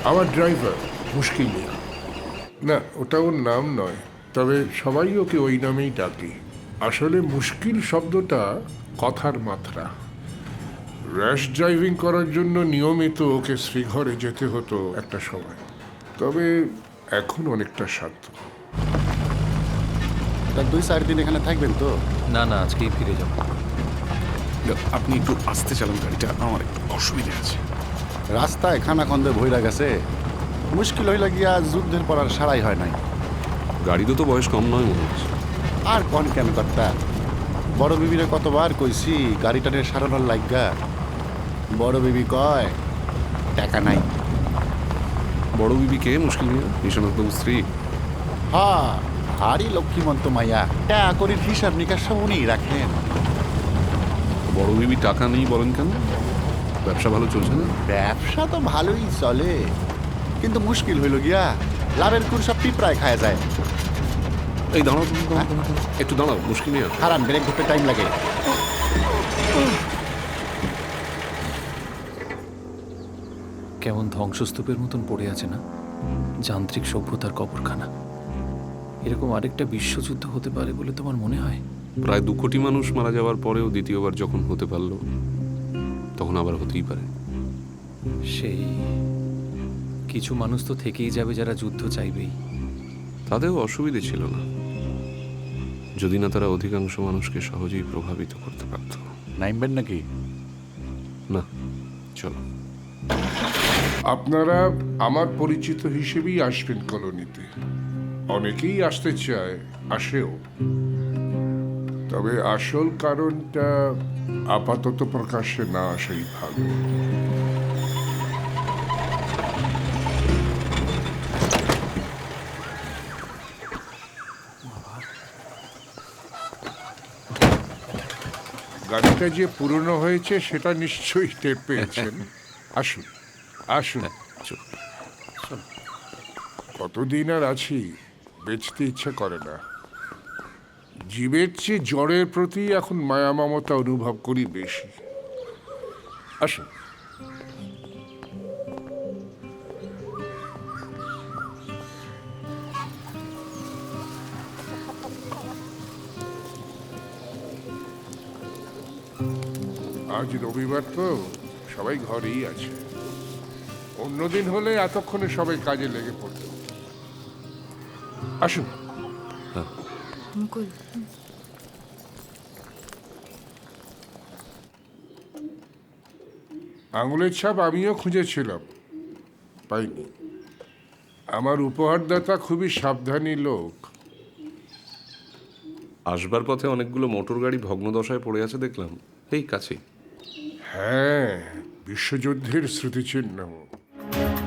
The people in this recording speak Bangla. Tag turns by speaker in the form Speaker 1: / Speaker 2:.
Speaker 1: আমার ড্রাইভার মুশকিল মিয়া। না, ওটা ওর নাম নয়, তবে সবাই ওকে ওই নামেই ডাকে। আসলে মুশকিল শব্দটা কথার মাত্রা। র্যাশ ড্রাইভিং করার জন্য নিয়মিত ওকে শ্রীঘরে যেতে হতো একটা সময়, তবে এখন অনেকটা শান্ত।
Speaker 2: তা 2-4 দিন এখানে থাকবেন তো?
Speaker 3: না না, আজকেই ফিরে যাব।
Speaker 4: আপনি একটু আস্তে চালান গাড়িটা, আমার একটু অসুবিধা আছে।
Speaker 2: রাস্তায় খানাখন্দে ভইরা গেছে, মুশকিল হইলা গিয়া যুদ্ধের পর আর সারাই হয় নাই।
Speaker 4: গাড়িতে তো বয়স কম নয় মনে হচ্ছে।
Speaker 2: আর কোন কেন কর্তা, বড় বিবিরে কতবার কইছি গাড়িটারে সারানোর লাগা। বড় বিবি কয় টাকা নাই।
Speaker 4: বড় বিবি কে? মুশকিল মিয়া, নিশানাথবাবুর স্ত্রী।
Speaker 2: হ্যাঁ, হারি লক্ষ্মীমন্ত মাইয়া, টাকা করির হিসাব নিকাশ সব উনিই রাখেন।
Speaker 4: বড় বিবি টাকা নেই বলেন কেন? ব্যবসা ভালো চলছে না?
Speaker 2: ব্যবসা তো ভালোই চলে, কিন্তু মুশকিল হইল গিয়া লাভের কুর সব পিঁপড়ায় খায় যায়।
Speaker 4: এই দাঁড়াও তুমি, একটু দাঁড়াও মুশকিল মিয়া।
Speaker 2: হারান, ব্রেক ধরতে টাইম লাগে।
Speaker 3: কেমন ধ্বংসস্তূপের মতন পড়ে আছে না যান্ত্রিক সভ্যতার কবরখানা। এরকম আরেকটা বিশ্বযুদ্ধ হতে পারে বলে তোমার মনে হয়?
Speaker 4: প্রায় 2 কোটি মানুষ মারা যাওয়ার পরেও দ্বিতীয়বার যখন হতে পারলো, তখন আবার হতেই পারে।
Speaker 3: সেই কিছু মানুষ তো থেকেই যাবে যারা যুদ্ধ চাইবেই।
Speaker 4: তাতেও অসুবিধে ছিল না, যদি না তারা অধিকাংশ মানুষকে সহজেই প্রভাবিত করতে পারত।
Speaker 2: নাইমবেন নাকি?
Speaker 4: না, চলো।
Speaker 1: আপনারা আমার পরিচিত হিসেবেই আসবেন কলোনিতে। অনেকেই আসতে চায়, আসেও, তবে আসল কারণটা আপাতত প্রকাশ্যে না আসাই ভালো। গাড়িটা যে পুরনো হয়েছে সেটা নিশ্চয়ই টের পেয়েছেন। আসুন আসুন, কতদিন আর আছি, বেচতে ইচ্ছা করে না। জীবের চেয়ে জড়ের প্রতি এখন মায়া মমতা অনুভব করি বেশি। আসুন। আজ রবিবার তো সবাই ঘরেই আছে, অন্যদিন হলে এতক্ষণে সবাই কাজে লেগে পড়ত। আসুন।
Speaker 5: মুকুল,
Speaker 1: আঙুলের ছাপ আমিও খুঁজেছিলাম, পাইনি। আমার উপহারদাতা খুবই সাবধানী লোক।
Speaker 4: আসবার পথে অনেকগুলো মোটর গাড়ি ভগ্নদশায় পড়ে আছে দেখলাম, এই কাছেই।
Speaker 1: হ্যাঁ, বিশ্বযুদ্ধের স্মৃতিচিহ্ন।